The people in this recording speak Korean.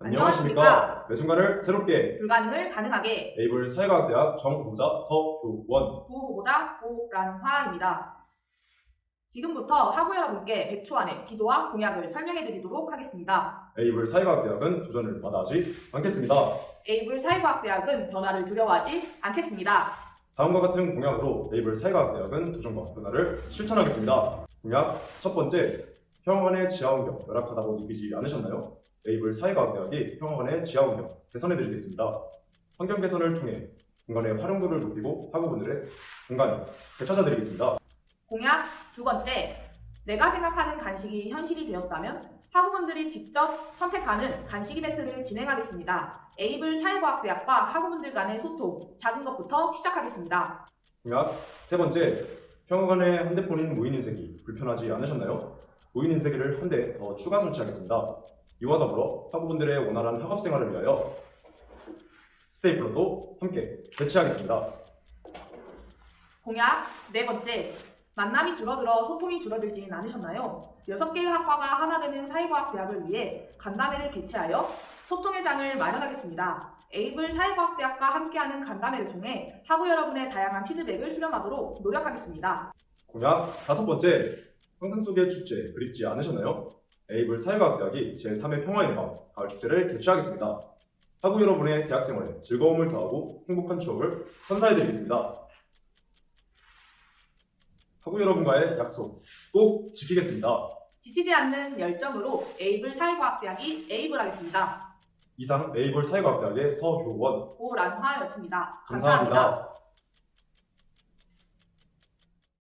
안녕하십니까. 매 순간을 새롭게 불가능을 가능하게 에이블 사회과학대학 정후보자 서효원 부후보자 고란화입니다. 지금부터 학우 여러분께 100초 안에 기조와 공약을 설명해 드리도록 하겠습니다. 에이블 사회과학대학은 도전을 마다하지 않겠습니다. 에이블 사회과학대학은 변화를 두려워하지 않겠습니다. 다음과 같은 공약으로 에이블 사회과학대학은 도전과 변화를 실천하겠습니다. 공약 첫 번째, 평화관의 지하환경 열악하다고 느끼지 않으셨나요? 에이블 사회과학대학이 평화관의 지하환경 개선해드리겠습니다. 환경 개선을 통해 공간의 활용도를 높이고 학우분들의 공간을 되찾아드리겠습니다. 공약 두 번째, 내가 생각하는 간식이 현실이 되었다면 학우분들이 직접 선택하는 간식 이벤트를 진행하겠습니다. 에이블 사회과학대학과 학우분들 간의 소통, 작은 것부터 시작하겠습니다. 공약 세 번째, 평화관의 핸드폰인 무인인쇄기 불편하지 않으셨나요? 무인인쇄기를 한 대 더 추가 설치하겠습니다. 이와 더불어 학우분들의 원활한 학업생활을 위하여 스테이플러도 함께 배치하겠습니다. 공약 네 번째, 만남이 줄어들어 소통이 줄어들지는 않으셨나요? 6개의 학과가 하나 되는 사회과학대학을 위해 간담회를 개최하여 소통의 장을 마련하겠습니다. 에이블 사회과학대학과 함께하는 간담회를 통해 학우 여러분의 다양한 피드백을 수렴하도록 노력하겠습니다. 공약 다섯 번째, 상상 속의 축제 그립지 않으셨나요? 에이블 사회과학대학이 제3회 평화의 밤 가을 축제를 개최하겠습니다. 학우 여러분의 대학생활에 즐거움을 더하고 행복한 추억을 선사해드리겠습니다. 학우 여러분과의 약속 꼭 지키겠습니다. 지치지 않는 열정으로 에이블 사회과학대학이 에이블하겠습니다. 이상 에이블 사회과학대학의 서효원 고란화였습니다. 감사합니다.